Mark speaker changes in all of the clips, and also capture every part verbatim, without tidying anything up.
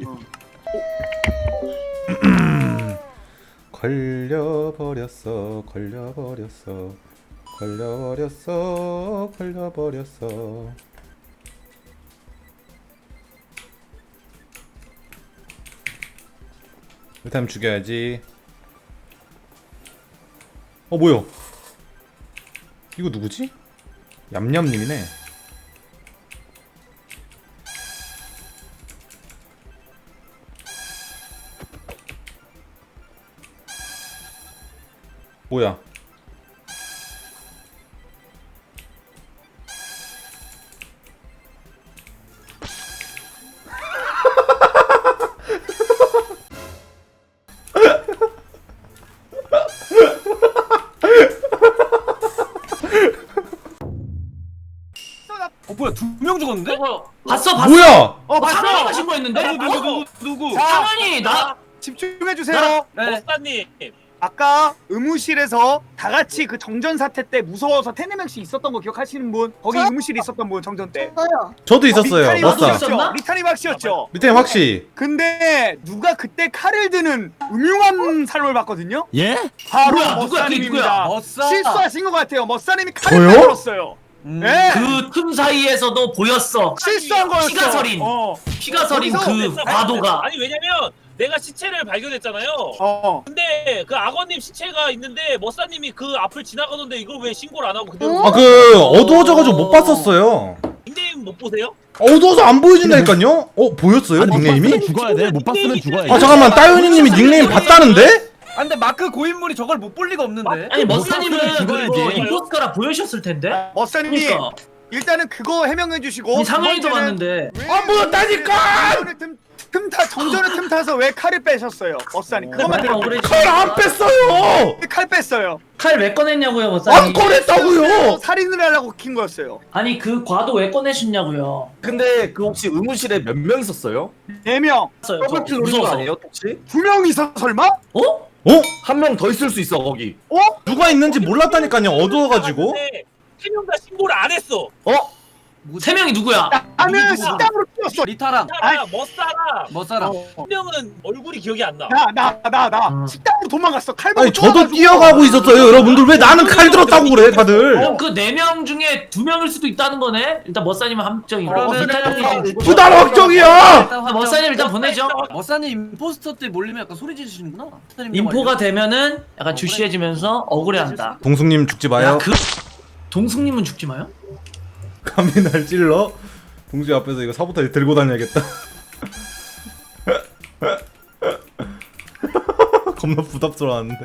Speaker 1: 걸려버렸어 걸려버렸어 걸려버렸어 걸려버렸어. 일단 죽여야지. 어 뭐야 이거 누구지? 얌얌님이네. 뭐야?
Speaker 2: 어 뭐야 두 명 죽었는데?
Speaker 3: 어, 봤어 봤어.
Speaker 1: 뭐야?
Speaker 2: 어 봤어!
Speaker 3: 상현이가 신고했는데?
Speaker 2: 누구 누구 누구 누구?
Speaker 3: 상현이 나
Speaker 4: 집중해주세요.
Speaker 2: 네.
Speaker 5: 머싸님
Speaker 4: 아까 의무실에서 다 같이 그 정전 사태 때 무서워서 세네 명씩 있었던 거 기억하시는 분? 거기
Speaker 6: 저?
Speaker 4: 의무실에 있었던 분 정전 때.
Speaker 6: 저요.
Speaker 1: 저도 있었어요.
Speaker 4: 리타님
Speaker 1: 머싸.
Speaker 4: 확실했죠? 리타님 확실했죠?
Speaker 1: 밑에 확시.
Speaker 4: 근데 누가 그때 칼을 드는 음흉한 사람을 봤거든요?
Speaker 7: 예?
Speaker 4: 바로
Speaker 3: 누구야? 누구야? 그게
Speaker 4: 머싸님입니다.
Speaker 2: 머싸.
Speaker 4: 실수하신 것 같아요. 머싸님이 칼을
Speaker 1: 저요?
Speaker 4: 들었어요.
Speaker 2: 음.
Speaker 4: 네.
Speaker 3: 그 틈 사이에서도 보였어.
Speaker 4: 실수한 거였어.
Speaker 3: 피가 서린.
Speaker 4: 어.
Speaker 3: 피가 서린
Speaker 4: 거기서
Speaker 3: 그
Speaker 5: 됐어.
Speaker 3: 과도가.
Speaker 5: 아니 왜냐면 내가 시체를 발견했잖아요.
Speaker 4: 어.
Speaker 5: 근데 그 악어님 시체가 있는데 머싸님이 그 앞을 지나가던데 이걸 왜 신고를 안 하고 그대로
Speaker 6: 어?
Speaker 1: 아 그 어두워져가지고 못 봤었어요.
Speaker 5: 닉네임 못 보세요?
Speaker 1: 어두워서 안 보여준다니까요? 어 보였어요
Speaker 7: 아니, 못
Speaker 1: 닉네임이?
Speaker 7: 봤으면 죽어야 돼. 못 봤으면 죽어야 돼.
Speaker 1: 아 잠깐만 따윤이님이 닉네임 봤다는데?
Speaker 2: 아 근데 마크 고인물이 저걸 못 볼 리가 없는데.
Speaker 3: 아니 머스님은
Speaker 7: 죽어야지.
Speaker 3: 그거 임포스터라 보여주셨을 텐데.
Speaker 4: 머싸님이
Speaker 3: 그러니까
Speaker 4: 일단은 그거 해명해 주시고
Speaker 3: 이 상현이도
Speaker 4: 두 번째는
Speaker 3: 봤는데.
Speaker 4: 안 보였다니까! 정전을 틈, 틈타 정전을 틈타서 왜 칼을 빼셨어요? 머싸님 그것만 들어.
Speaker 1: 칼 안 뺐어요!
Speaker 4: 칼 뺐어요.
Speaker 3: 칼 왜 꺼냈냐고요
Speaker 1: 안
Speaker 3: 머스님?
Speaker 1: 꺼냈다고요!
Speaker 4: 살인을 하려고 킨 거였어요.
Speaker 3: 아니 그 과도 왜 꺼내셨냐고요?
Speaker 8: 근데 그 혹시 의무실에 몇 명 있었어요?
Speaker 4: 네 명,
Speaker 8: 더블킬 노린 거
Speaker 3: 무서워서.
Speaker 8: 아니에요 혹시?
Speaker 4: 두 명 있어 설마?
Speaker 3: 어?
Speaker 1: 어?
Speaker 8: 한 명 더 있을 수 있어 거기.
Speaker 4: 어?
Speaker 1: 누가 있는지 몰랐다니까요 어두워가지고.
Speaker 5: 세명 다 신고를 안 했어.
Speaker 8: 어?
Speaker 3: 세 명이 누구야?
Speaker 4: 나는
Speaker 2: 누구?
Speaker 4: 식당으로 뛰었어.
Speaker 2: 리타랑
Speaker 5: 사라, 머싸라.
Speaker 2: 머싸랑.
Speaker 5: 한 명은 얼굴이 기억이 안 나.
Speaker 4: 나 나 나 나
Speaker 3: 음.
Speaker 4: 식당으로 도망갔어. 칼 보고
Speaker 1: 아니 저도
Speaker 4: 쫓아가지고.
Speaker 1: 뛰어가고 있었어요 여러분들. 왜 나는 칼 들었다고 그래 다들.
Speaker 3: 그럼 그 네 명 중에 두 명일 수도 있다는 거네? 일단 머싸님은 함정이고
Speaker 2: 그러면은-
Speaker 1: 부단 확정이야!
Speaker 2: 일단
Speaker 3: 아, 머싸님 일단 보내죠.
Speaker 2: 머싸님 임포스터 때 몰리면 약간 소리 지르시는구나.
Speaker 3: 인포가 되면은 약간 주시해지면서 억울해한다.
Speaker 1: 동숙님 죽지 마요.
Speaker 3: 야, 그 동숙님은 죽지 마요?
Speaker 1: 감히 날 찔러? 동숙이 앞에서 이거 사보타지 들고 다녀야겠다. 겁나 부담스러웠는데.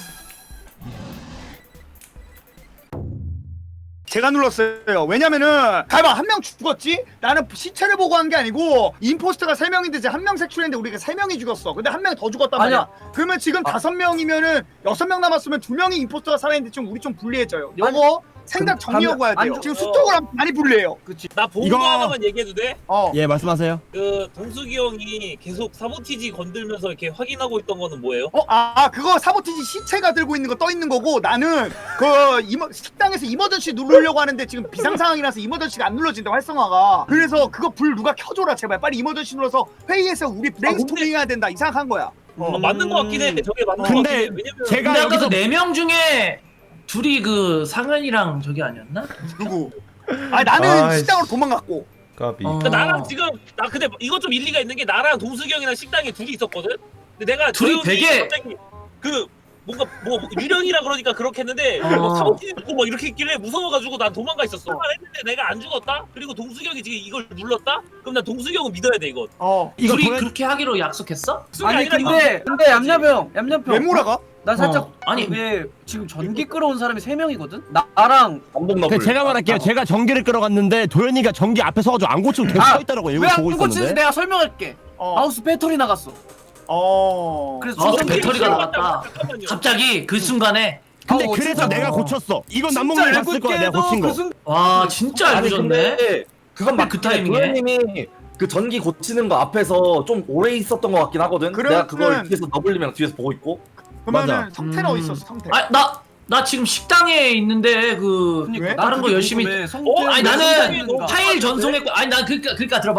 Speaker 4: 제가 눌렀어요. 왜냐면은 가만 한 명 죽었지? 나는 시체를 보고 한 게 아니고 임포스터가 세 명인데 이제 한 명 색출했는데 우리가 세 명이 죽었어. 근데 한 명 더 죽었단 말이야.
Speaker 2: 아니야.
Speaker 4: 그러면 지금 다섯 명이면은 여섯 명 남았으면 두 명이 임포스터가 살아있는데 좀 우리 좀 불리해져요. 요거 생각 정리하고 해야 돼요.
Speaker 2: 안-
Speaker 4: 지금 수적으로 하면 많이 불리해요.
Speaker 2: 그치.
Speaker 5: 나 본
Speaker 7: 이거-
Speaker 5: 거 하나만 얘기해도 돼?
Speaker 4: 어.
Speaker 7: 예, 말씀하세요.
Speaker 5: 그 동숙이 형이 계속 사보티지 건들면서 이렇게 확인하고 있던 거는 뭐예요?
Speaker 4: 어, 아, 그거 사보티지 시체가 들고 있는 거 떠 있는 거고 나는 그 이머, 식당에서 이머전시 누르려고 하는데 지금 비상 상황이라서 이머전시가 안 눌러진다 활성화가. 그래서 그거 불 누가 켜줘라 제발. 빨리 이머전시 눌러서 회의에서 우리 브레인스토밍 해야 된다. 이상한 거야.
Speaker 5: 어, 맞는 거 같긴 해. 저게 맞는 거
Speaker 7: 근데
Speaker 5: 같긴 해. 왜냐면
Speaker 7: 제가
Speaker 3: 근데 아까
Speaker 7: 여기서
Speaker 3: 그 네 명 중에 둘이 그 상현이랑 저기 아니었나?
Speaker 4: 누구? 아 나는
Speaker 1: 아이씨.
Speaker 4: 식당으로 도망갔고.
Speaker 1: 까비.
Speaker 3: 어.
Speaker 5: 그러니까 나랑 지금 나 근데 이거 좀 일리가 있는 게 나랑 동숙이 형이랑 식당에 둘이 있었거든. 근데 내가
Speaker 3: 둘이
Speaker 5: 조용히
Speaker 3: 되게-
Speaker 5: 갑자기 그 뭔가 뭐 유령이라 그러니까 그렇겠는데
Speaker 3: 어.
Speaker 5: 뭐 사보티지 있고 막 이렇게 있길래 무서워가지고 난 도망가 있었어. 했는데 내가 안 죽었다. 그리고 동숙이 형이 지금 이걸 눌렀다. 그럼 난 동숙이 형은 믿어야 돼 이거.
Speaker 4: 어.
Speaker 7: 이거
Speaker 3: 둘이
Speaker 7: 보내...
Speaker 3: 그렇게 하기로 약속했어?
Speaker 5: 동숙이
Speaker 2: 아니
Speaker 5: 아니라 이거
Speaker 2: 근데 근데 얌얌형 얌얌형
Speaker 4: 왜 몰아가?
Speaker 2: 나 살짝
Speaker 3: 어, 아니.
Speaker 2: 이게 지금 전기 끌어온 사람이 세 명이거든. 나랑
Speaker 8: 감독
Speaker 7: 그
Speaker 8: 너블.
Speaker 7: 제가 말할게요. 제가 전기를 끌어갔는데 도현이가 전기 앞에 서가지고 안 고치고 계속
Speaker 2: 아,
Speaker 7: 서 있다라고 이거
Speaker 2: 왜 안
Speaker 7: 보고
Speaker 2: 고치는지
Speaker 7: 있었는데.
Speaker 2: 내가 설명할게.
Speaker 4: 어.
Speaker 2: 마우스 배터리 나갔어.
Speaker 4: 어.
Speaker 2: 그래서
Speaker 3: 아,
Speaker 2: 주선
Speaker 3: 배터리가
Speaker 2: 기록-
Speaker 3: 나갔다.
Speaker 5: 잠깐만요.
Speaker 3: 갑자기 그 순간에
Speaker 7: 근데
Speaker 2: 어,
Speaker 7: 그래서
Speaker 2: 진짜.
Speaker 7: 내가 고쳤어. 이건 남몽이 봤을 거야. 내가 고친 거.
Speaker 2: 그 순...
Speaker 3: 와 진짜
Speaker 8: 아니
Speaker 3: 알고 졌네.
Speaker 8: 근데 그건
Speaker 3: 그
Speaker 8: 맞긴 해.
Speaker 3: 타이밍에?
Speaker 8: 도현님이 그 전기 고치는 거 앞에서 좀 오래 있었던 것 같긴 하거든.
Speaker 4: 그러면은-
Speaker 8: 내가 그걸 뒤에서 너블리랑 뒤에서 보고 있고.
Speaker 4: 그러면은
Speaker 7: 맞아.
Speaker 4: 성태는
Speaker 3: 음.
Speaker 4: 어디 있었어? 성태.
Speaker 3: 아 나 나 지금 식당에 있는데 그
Speaker 2: 그러니까
Speaker 4: 왜?
Speaker 2: 나
Speaker 3: 다른 거
Speaker 2: 그게
Speaker 3: 열심히-
Speaker 2: 궁금해.
Speaker 5: 어?
Speaker 2: 성태는
Speaker 3: 아니
Speaker 2: 왜
Speaker 3: 나는
Speaker 2: 성태인가?
Speaker 3: 파일 전송했고 아니 난 그니까 그니까 들어봐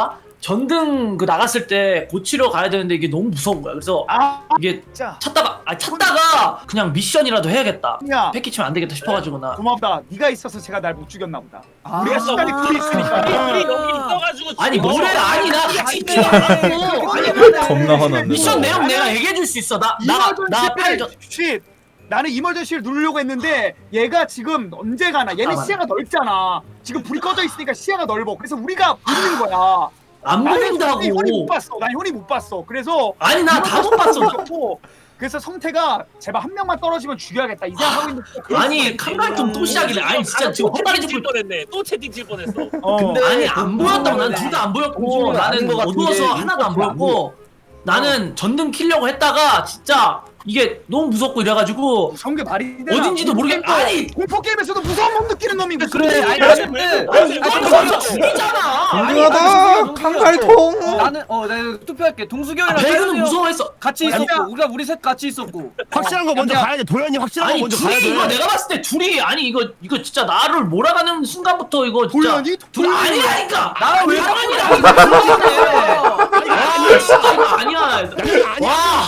Speaker 3: 전등 그 나갔을 때 고치러 가야 되는데 이게 너무 무서운 거야. 그래서
Speaker 4: 아
Speaker 3: 이게
Speaker 4: 진짜
Speaker 3: 찾다가 아 찾다가 그냥 미션이라도 해야겠다.
Speaker 4: 야
Speaker 3: 패키 치면 안 되겠다 싶어가지고 나.
Speaker 4: 고맙다. 네가 있어서 제가 날 못 죽였나 보다.
Speaker 2: 아.
Speaker 4: 우리가 시간이 풀이 있으니까.
Speaker 5: 우리 여기 있어가지고
Speaker 3: 아니
Speaker 5: 지금
Speaker 3: 뭐래?
Speaker 5: 어,
Speaker 3: 아니 나 같이 있지
Speaker 2: 아니,
Speaker 3: 않았고. 아니
Speaker 1: 겁나 화났네.
Speaker 3: 미션 내용 내가 얘기해 줄 수 있어. 나나나 팔 전.
Speaker 4: 쉿. 나는 이머전시를 누르려고 했는데 얘가 지금 언제 가나? 얘는
Speaker 3: 아,
Speaker 4: 시야가 넓잖아. 지금 불이 꺼져 있으니까 시야가 넓어. 그래서 우리가 보는 거야.
Speaker 3: 안
Speaker 4: 나는 현이 못
Speaker 3: 보인다고.
Speaker 4: 봤어. 난 현이 못 봤어. 그래서
Speaker 3: 아니 나 다 못 봤어.
Speaker 4: 그래서 성태가 제발 한 명만 떨어지면 죽여야겠다 이 생각하고 있는데
Speaker 3: 아니 칸갈통 또 시작이네. 아니 진짜 지금 헛다리
Speaker 5: 채팅 칠
Speaker 3: 짚고.
Speaker 5: 뻔했네. 또 채팅 칠 뻔했어.
Speaker 4: 어.
Speaker 8: 근데
Speaker 3: 아니 안 보였다고. 난 둘 다 안 보였고
Speaker 8: 동준이는 아닌
Speaker 3: 나는
Speaker 8: 것 같은
Speaker 3: 어두워서
Speaker 8: 게
Speaker 3: 하나도 안
Speaker 8: 인포가 안
Speaker 3: 보였고 나는 전등 키려고 했다가 진짜 이게 너무 무섭고 이래가지고
Speaker 4: 무서운 게 말이 되나?
Speaker 3: 어딘지도 모르겠. 아니
Speaker 4: 공포 게임에서도 무서운 몸 느끼는 놈이 무슨
Speaker 2: 그래
Speaker 4: 소리야?
Speaker 2: 아니 나는
Speaker 3: 아니 이거 진짜 죽이잖아.
Speaker 1: 동등하다 칸갈통.
Speaker 2: 나는 어 내가 투표할게. 동수경이랑
Speaker 3: 아, 배그는
Speaker 2: 태현이 형
Speaker 3: 무서워했어.
Speaker 2: 같이
Speaker 4: 아니야.
Speaker 2: 있었고 우리가 우리 셋 같이 있었고.
Speaker 7: 확실한 거 먼저
Speaker 2: 야,
Speaker 7: 가야 돼. 도현이 확실한 거
Speaker 3: 아니
Speaker 7: 먼저 가야
Speaker 3: 둘이 이거
Speaker 7: 돼.
Speaker 3: 내가 봤을 때 둘이 아니 이거 이거 진짜 나를 몰아가는 순간부터 이거 진짜
Speaker 4: 도현이?
Speaker 3: 둘 아니라니까.
Speaker 2: 나랑 왜
Speaker 3: 아니라니까. 이거 그러네. 아 진짜 이거 아니야.
Speaker 7: 아니야.
Speaker 3: 와.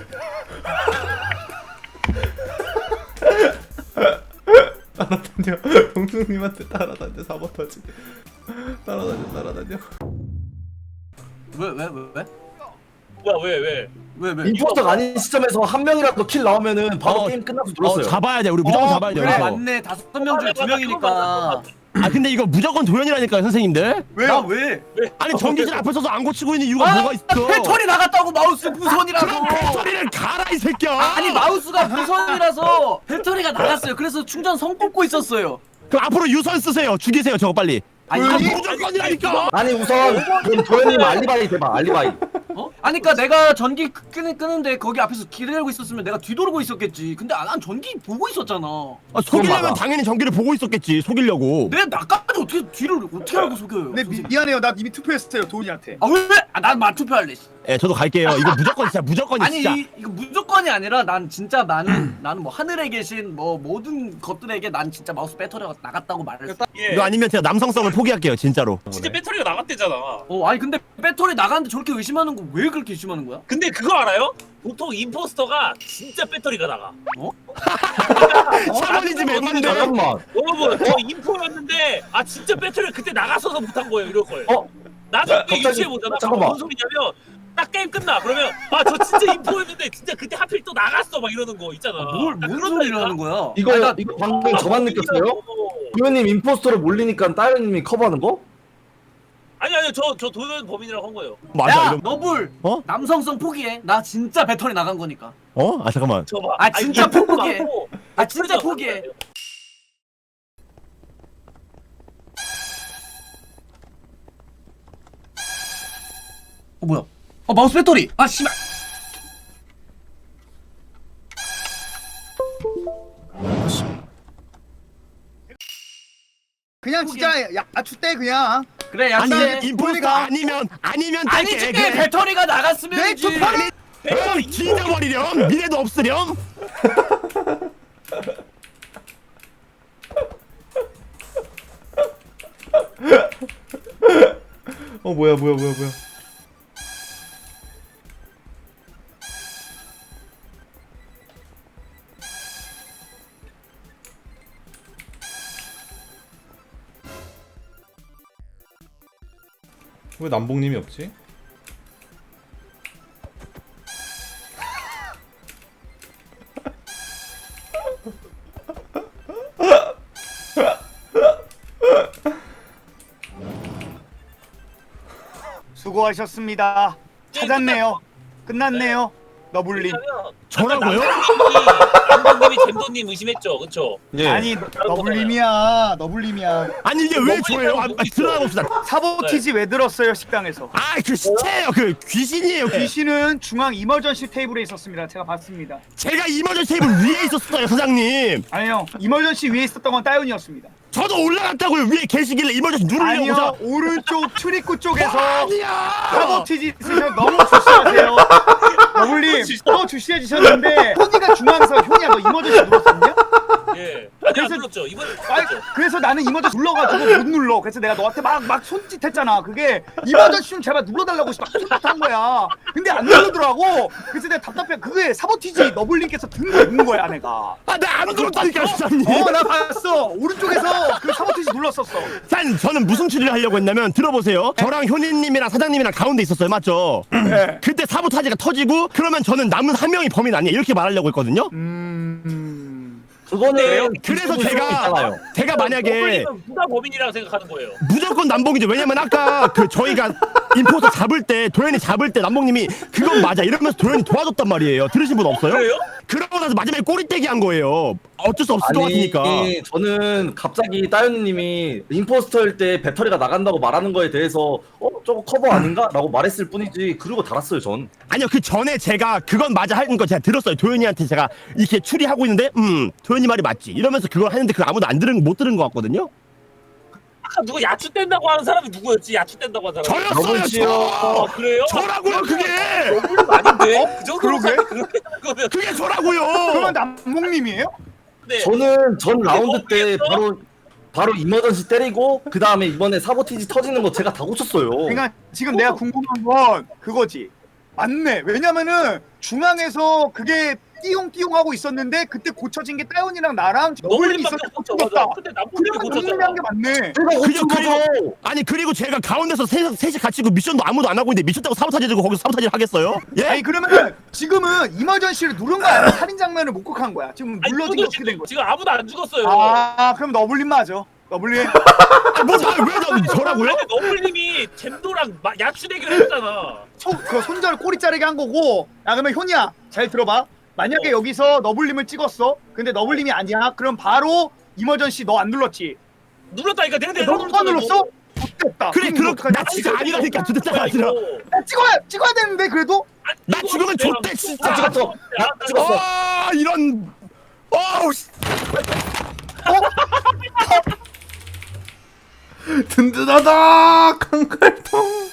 Speaker 1: 따라다녀. 동승님한테 따라다녀. 사보타지. 따라다녀 따라다녀.
Speaker 2: 왜 왜 왜 왜?
Speaker 5: 뭐야 왜 왜?
Speaker 2: 왜 왜?
Speaker 8: 임포스터가 아닌 시점에서 한 명이라도 킬 나오면은 바로
Speaker 7: 어.
Speaker 8: 게임 끝나서
Speaker 7: 어,
Speaker 8: 눌렀어요.
Speaker 7: 잡아야 돼. 우리 무조건
Speaker 2: 어,
Speaker 7: 잡아야 돼.
Speaker 2: 그래
Speaker 7: 여기서.
Speaker 2: 맞네. 다섯 명 중에 두 명이니까.
Speaker 7: 아 근데 이거 무조건 도현이라니까요, 선생님들.
Speaker 2: 나 왜?
Speaker 7: 아니 전기실 앞에 서서 안 고치고 있는 이유가
Speaker 2: 아,
Speaker 7: 뭐가 있어?
Speaker 2: 배터리 나갔다고 마우스 무선이라서.
Speaker 7: 그럼 배터리를 갈아 이 새끼야.
Speaker 2: 아니 마우스가 무선이라서 배터리가 나갔어요. 그래서 충전 선 꽂고 있었어요.
Speaker 7: 그럼 앞으로 유선 쓰세요. 죽이세요, 저거 빨리.
Speaker 2: 아니
Speaker 7: 아,
Speaker 2: 이게
Speaker 7: 무조건이라니까.
Speaker 8: 아니 우선 그럼 도현님 알리바이 대박 알리바이.
Speaker 2: 어? 아니 그니까 내가 전기 끄는, 끄는데 거기 앞에서 기다리고 있었으면 내가 뒤돌고 있었겠지. 근데 난 전기 보고 있었잖아.
Speaker 7: 아, 속이려면
Speaker 8: 맞아.
Speaker 7: 당연히 전기를 보고 있었겠지. 속이려고.
Speaker 2: 내가 나까지 어떻게 뒤를 어떻게 알고 속여요?
Speaker 4: 네 미, 미안해요. 나 이미 투표했어요 도훈이한테.
Speaker 2: 아 왜? 아, 난 맞투표할래.
Speaker 7: 예, 저도 갈게요. 이거 무조건 진짜 무조건이
Speaker 2: 아니
Speaker 7: 진짜.
Speaker 2: 이, 이거 무조건이 아니라 난 진짜 나는 나는 뭐 하늘에 계신 뭐 모든 것들에게 난 진짜 마우스 배터리가 나갔다고 말했어.
Speaker 5: 예.
Speaker 7: 이거 아니면 제가 남성성을 포기할게요, 진짜로.
Speaker 5: 진짜 배터리가 나갔대잖아.
Speaker 2: 어 아니 근데 배터리 나갔는데 저렇게 의심하는 거 왜 그렇게 의심하는 거야?
Speaker 5: 근데 그거 알아요? 보통 임포스터가 진짜 배터리가 나가.
Speaker 7: 샤머니즘 엠만데.
Speaker 8: 잠깐만.
Speaker 5: 여러분 저 인포였는데 아 진짜 배터리가 그때 나가서서 못한 거예요 이럴 거예요.
Speaker 8: 어?
Speaker 5: 나중에
Speaker 8: 갑자기-
Speaker 5: 유추해 보잖아.
Speaker 8: 잠깐만.
Speaker 5: 무슨 소리냐면 딱 게임 끝나. 그러면 아 저 진짜 인포였는데 진짜 그때 하필 또 나갔어 막 이러는 거 있잖아.
Speaker 2: 뭘
Speaker 5: 딱
Speaker 2: 뭔
Speaker 5: 그런
Speaker 2: 소리를
Speaker 5: 거니까.
Speaker 2: 하는 거야?
Speaker 8: 이거
Speaker 2: 아니, 나
Speaker 8: 이거 방금 저만 느꼈어요? 도현님 임포스터로 몰리니까 따현님이 커버하는 거?
Speaker 5: 아니 아니요 저 저 도현 범인이라고 한 거예요.
Speaker 7: 맞아,
Speaker 2: 야
Speaker 7: 이거.
Speaker 2: 너불
Speaker 7: 어?
Speaker 2: 남성성 포기해. 나 진짜 배터리 나간 거니까.
Speaker 7: 어? 아, 잠깐만.
Speaker 5: 저 봐.
Speaker 2: 아, 진짜
Speaker 5: 이게
Speaker 2: 포기해.
Speaker 5: 맞고
Speaker 2: 아 진짜
Speaker 5: 배터리가
Speaker 2: 포기해.
Speaker 5: 나간 거예요.
Speaker 2: 어 뭐야? 어 마우스 배터리. 아 씨발.
Speaker 4: 그냥 진짜 야추 때 그냥.
Speaker 2: 그래
Speaker 7: 아니,
Speaker 2: 약속해.
Speaker 7: 임포스터 아니면 아니면
Speaker 2: 아니지
Speaker 7: 뗄게. 그래.
Speaker 2: 배터리가 나갔으면이지.
Speaker 4: 내 투표를-
Speaker 7: 응, 뒤져버리렴. 미래도 없으렴.
Speaker 1: 어 뭐야 뭐야 뭐야 뭐야. 왜 남봉님이 없지?
Speaker 4: 수고하셨습니다. 찾았네요. 끝났네요. 너블리.
Speaker 7: 저라고요?
Speaker 5: 남동님이 잼도님 의심했죠, 그렇죠?
Speaker 1: 예.
Speaker 4: 아니 너블림이야. 너블림이야.
Speaker 7: 아니 이게 왜 저예요? 아, 아, 드러나 봅시다.
Speaker 4: 사보티지 왜 들었어요 식당에서?
Speaker 7: 아, 그 시체예요. 그 귀신이에요. 귀신.
Speaker 4: 귀신은 중앙 이머전시 테이블에 있었습니다. 제가 봤습니다.
Speaker 7: 제가 이머전시 테이블 위에 있었어요, 사장님.
Speaker 4: 아니요. 이머전시 위에 있었던 건 따윤이었습니다.
Speaker 7: 저도 올라갔다고요. 위에 계시길래 이머전시 누르려고.
Speaker 4: 아니요.
Speaker 7: 사-
Speaker 4: 오른쪽 출입구 쪽에서
Speaker 7: 아니야.
Speaker 4: 사보티지 있으셔 너무 주시하세요. 너블림 또 주시해 주셨는데 효니가 중앙에서 효니야 너 이머전시 눌렀었냐?
Speaker 5: 예. 아니 안
Speaker 4: 그래서
Speaker 5: 눌렀죠. 바꿨죠. 이번에
Speaker 4: 아이,
Speaker 5: 바꿨죠.
Speaker 4: 그래서 나는 이머전시 눌러가지고 못 눌러. 그래서 내가 너한테 막 막 손짓했잖아. 그게 이머전시 좀 제발 눌러달라고 막 손짓한 거야. 근데 안 누르더라고. 그래서 내가 답답해. 그게 사보티지 너블링께서 든 거 본 거야 내가.
Speaker 7: 아나안 눌렀다니까 수장님.
Speaker 4: 어 나 봤어. 오른쪽에서 그 사보티지 눌렀었어.
Speaker 7: 산 저는 무슨 추리를 하려고 했냐면 들어보세요. 저랑 효니님이랑 사장님이랑 가운데 있었어요, 맞죠?
Speaker 4: 네.
Speaker 7: 그때 사보타지가 터지고 그러면 저는 남은 한 명이 범인 아니에요 이렇게 말하려고 했거든요.
Speaker 4: 음.
Speaker 8: 그거는
Speaker 7: 그래서
Speaker 8: 기술이
Speaker 7: 제가
Speaker 8: 있잖아요.
Speaker 7: 제가 만약에
Speaker 5: 너블님은 누가 범인이라고 생각하는 거예요?
Speaker 7: 무조건 남봉이죠. 왜냐면 아까 그 저희가 임포스터 잡을 때 도현이 잡을 때 남봉님이 그건 맞아 이러면서 도현이 도와줬단 말이에요. 들으신 분 없어요?
Speaker 5: 그래요?
Speaker 7: 그러고 나서 마지막에 꼬리떼기 한 거예요. 어쩔 수 없을 것 같으니까.
Speaker 8: 아니 저는 갑자기 따윤님이 임포스터일 때 배터리가 나간다고 말하는 거에 대해서 어 저거 커버 아닌가? 라고 말했을 뿐이지 그러고 달았어요 전.
Speaker 7: 아니요 그 전에 제가 그건 맞아 하는 거 제가 들었어요. 도현이한테 제가 이렇게 추리하고 있는데 음 도현이 말이 맞지 이러면서 그걸 하는데 그거 아무도 안 들은 못 들은 것 같거든요.
Speaker 5: 아까 누가 야추 뗀다고 하는 사람이 누구였지? 야추 뗀다고 하는 사람.
Speaker 7: 저였어요
Speaker 5: 어,
Speaker 7: 저.
Speaker 5: 그래요?
Speaker 7: 저라고요 그게.
Speaker 5: 너블님 아닌데? 그 정도로
Speaker 4: 그러게?
Speaker 5: 그렇게 하는 거면
Speaker 7: 그게 저라고요.
Speaker 4: 그러면 남몽님이에요?
Speaker 5: 네.
Speaker 8: 저는 전 라운드 때
Speaker 5: 너블이었어?
Speaker 8: 바로 바로 이머전시 때리고 그 다음에 이번에 사보티지 터지는 거 제가 다 고쳤어요.
Speaker 4: 그러니까 지금 내가 궁금한 건 그거지. 맞네. 왜냐면은 중앙에서 그게 띠용띠용 하고 있었는데 그때 고쳐진 게 따윤이랑 나랑 너블림이
Speaker 5: 너블님밖에
Speaker 4: 있었는데
Speaker 5: 없었죠.
Speaker 4: 고쳤다.
Speaker 5: 근데 남블님이
Speaker 4: 그러면
Speaker 5: 고쳤잖아.
Speaker 4: 너블림이 한 게 맞네.
Speaker 8: 제가 고친
Speaker 7: 그죠,
Speaker 8: 거죠.
Speaker 7: 아니 그리고 제가 가운데서 셋, 셋이 같이 그 미션도 아무도 안 하고 있는데 미쳤다고 사보타지 들고 거기서 사보타지를 하겠어요? 예?
Speaker 4: 아니 그러면 지금은 이머전시를 누른 거 아니야? 살인 장면을 목격한 거야. 지금
Speaker 5: 아니,
Speaker 4: 눌러진 게
Speaker 5: 저도
Speaker 4: 어떻게
Speaker 5: 지금,
Speaker 4: 된 거야?
Speaker 5: 지금 아무도 안 죽었어요.
Speaker 4: 아 그럼 너블림 맞아. 너블림.
Speaker 7: 뭐왜 저라고요?
Speaker 5: 아니, 너블님이 잼도랑 마- 야추 대결했잖아.
Speaker 4: 손, 그 손절 꼬리 자르게 한 거고. 야 그러면 효니야 잘 들어봐. 만약에
Speaker 5: 어.
Speaker 4: 여기서 너블림을 찍었어. 근데 너블림이 아니야. 그럼 바로 이머전시 너 안 눌렀지.
Speaker 5: 눌렀다니까 내가 내가
Speaker 4: 너가 눌렀어? 못됐다.
Speaker 7: 그래
Speaker 4: 그럼
Speaker 7: 그럼
Speaker 4: 어떡하냐?
Speaker 7: 나 진짜 아니라니까 진짜 아니라.
Speaker 4: 나 찍어야 찍어야 되는데 그래도.
Speaker 7: 나 죽으면 좆대 진짜.
Speaker 8: 나 찍었어. 나 찍었어.
Speaker 7: 아 이런. 어우 씨.
Speaker 1: 든든하다 강갈통.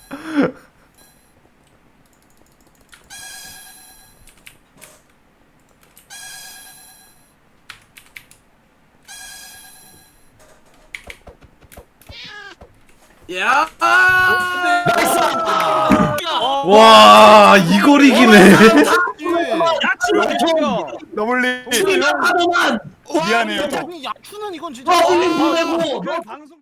Speaker 2: 야.
Speaker 1: 와 이걸 이기네.
Speaker 5: 야추를
Speaker 4: 너블림.
Speaker 3: 하더만
Speaker 4: 미안해요.
Speaker 7: 야,
Speaker 4: 야추는 이건 진짜.
Speaker 3: 아, 올림 보내고
Speaker 4: 방송.